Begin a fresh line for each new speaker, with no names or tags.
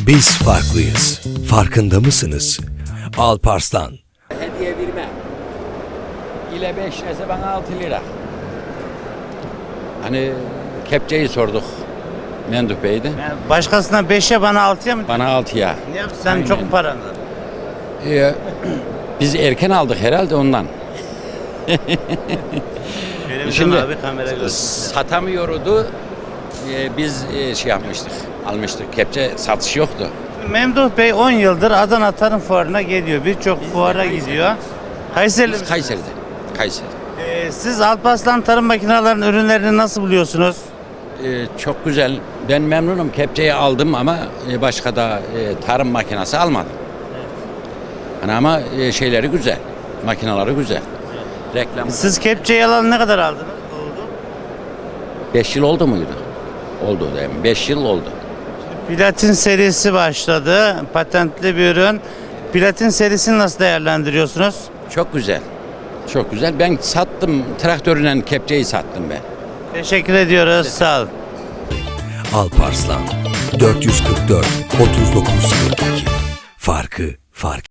Biz farklıyız. Farkında mısınız? Alparslan.
Hediye verme. İle 5 lirası bana 6 lira. Hani kepçeyi sorduk. Menduh Bey'di.
Yani başkasına 5'e bana 6'ya mı?
Bana 6'ya.
Ne yaptın? Sen
Aynen.
çok mu paran var?
Biz erken aldık herhalde ondan.
Şimdi abi kamera görsün.
Satamıyordu. Biz şey yapmıştık. Almıştık. Kepçe satış yoktu.
Memduh Bey 10 yıldır Adana Tarım Fuarı'na geliyor. Birçok fuara gidiyor. Kayseri
Biz Kayseri'de. Kayseri.
Siz Alparslan Tarım Makinelerinin ürünlerini nasıl buluyorsunuz?
Çok güzel. Ben memnunum. Kepçeyi aldım ama başka da tarım makinesi almadım. Hani ama şeyleri güzel. Makineleri güzel. Reklam.
Siz kepçeyi alalı ne kadar aldınız? Oldu.
5 yıl oldu muydu? Oldu değil mi? 5 yıl oldu.
Platin serisi başladı. Patentli bir ürün. Platin serisini nasıl değerlendiriyorsunuz?
Çok güzel. Çok güzel. Ben sattım. Traktörüyle kepçeyi sattım ben.
Teşekkür ediyoruz. Sağ olun.
Alparslan. 444 39 42. Farkı fark.